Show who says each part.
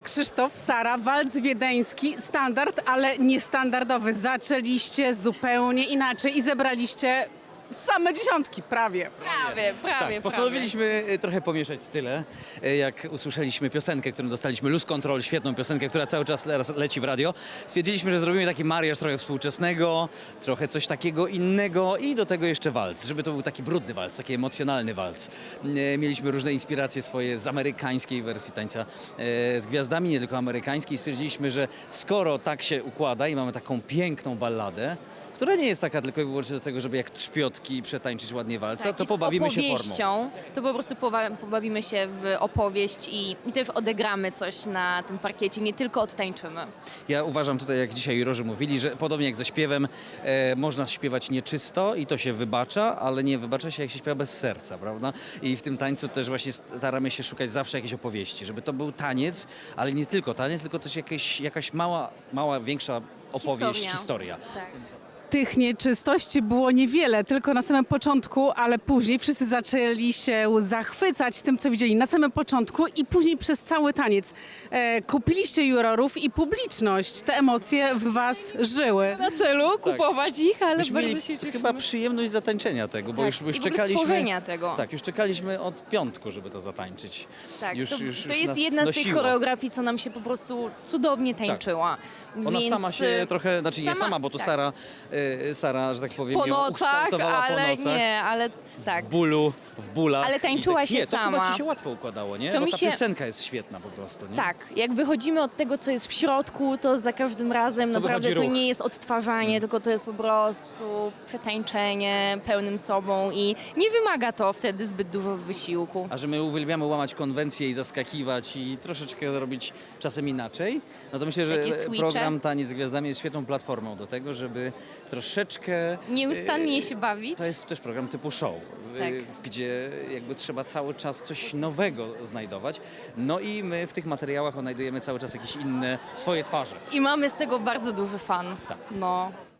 Speaker 1: Krzysztof, Sara, walc wiedeński, standard, ale niestandardowy. Zaczęliście zupełnie inaczej i zebraliście same dziesiątki, prawie.
Speaker 2: Prawie.
Speaker 3: Postanowiliśmy trochę pomieszać style. Jak usłyszeliśmy piosenkę, którą dostaliśmy, Lose Control, świetną piosenkę, która cały czas leci w radio, stwierdziliśmy, że zrobimy taki mariaż trochę współczesnego, trochę coś takiego innego i do tego jeszcze walc, żeby to był taki brudny walc, taki emocjonalny walc. Mieliśmy różne inspiracje swoje z amerykańskiej wersji tańca z gwiazdami, nie tylko amerykańskiej. Stwierdziliśmy, że skoro tak się układa i mamy taką piękną balladę, która nie jest taka tylko i wyłącznie do tego, żeby jak trzpiotki przetańczyć ładnie walca, to pobawimy się formą.
Speaker 2: To po prostu pobawimy się w opowieść i też odegramy coś na tym parkiecie, nie tylko odtańczymy.
Speaker 3: Ja uważam tutaj, jak dzisiaj jurorzy mówili, że podobnie jak ze śpiewem, można śpiewać nieczysto i to się wybacza, ale nie wybacza się, jak się śpiewa bez serca, prawda? I w tym tańcu też właśnie staramy się szukać zawsze jakiejś opowieści, żeby to był taniec, ale nie tylko taniec, tylko też jakaś mała, większa opowieść, historia.
Speaker 2: Tak.
Speaker 1: Tych nieczystości było niewiele, tylko na samym początku, ale później wszyscy zaczęli się zachwycać tym, co widzieli na samym początku i później przez cały taniec. Kupiliście jurorów i publiczność. Te emocje w was żyły.
Speaker 2: Na celu kupować ich, ale
Speaker 3: Myśmy
Speaker 2: bardzo
Speaker 3: mieli
Speaker 2: się cieszymy.
Speaker 3: chyba przyjemność zatańczenia tego, bo
Speaker 2: Tak.
Speaker 3: już
Speaker 2: I w ogóle
Speaker 3: czekaliśmy.
Speaker 2: stworzenia tego.
Speaker 3: Tak, już czekaliśmy od piątku, żeby to zatańczyć.
Speaker 2: Tak,
Speaker 3: Już
Speaker 2: to jest
Speaker 3: nas
Speaker 2: jedna z tych
Speaker 3: nosiło.
Speaker 2: choreografii, co nam się po prostu cudownie tańczyła.
Speaker 3: Ona
Speaker 2: Więc
Speaker 3: sama się trochę, znaczy nie sama, bo to
Speaker 2: tak.
Speaker 3: Sara, że tak powiem,
Speaker 2: Po
Speaker 3: ją
Speaker 2: nocach,
Speaker 3: ukształtowała
Speaker 2: ale
Speaker 3: po nocach.
Speaker 2: nie, ale tak.
Speaker 3: W bólach.
Speaker 2: Ale tańczyła się
Speaker 3: nie, to chyba
Speaker 2: sama.
Speaker 3: ci się łatwo układało, nie?
Speaker 2: To
Speaker 3: Bo
Speaker 2: mi
Speaker 3: ta
Speaker 2: się-
Speaker 3: piosenka jest świetna po prostu, nie?
Speaker 2: Tak, jak wychodzimy od tego, co jest w środku, to za każdym razem naprawdę
Speaker 3: wychodzi
Speaker 2: to
Speaker 3: ruch.
Speaker 2: nie jest odtwarzanie, tylko to jest po prostu przetańczenie pełnym sobą i nie wymaga to wtedy zbyt dużo wysiłku.
Speaker 3: A że my uwielbiamy łamać konwencje i zaskakiwać i troszeczkę robić czasem inaczej, no to myślę, że
Speaker 2: Takie switche.
Speaker 3: program Taniec z Gwiazdami jest świetną platformą do tego, żeby troszeczkę...
Speaker 2: Nieustannie się bawić.
Speaker 3: To jest też program typu show,
Speaker 2: Tak.
Speaker 3: gdzie jakby trzeba cały czas coś nowego znajdować. No i my w tych materiałach odnajdujemy cały czas jakieś inne swoje twarze.
Speaker 2: I mamy z tego bardzo duży fan.
Speaker 3: Tak.
Speaker 2: No.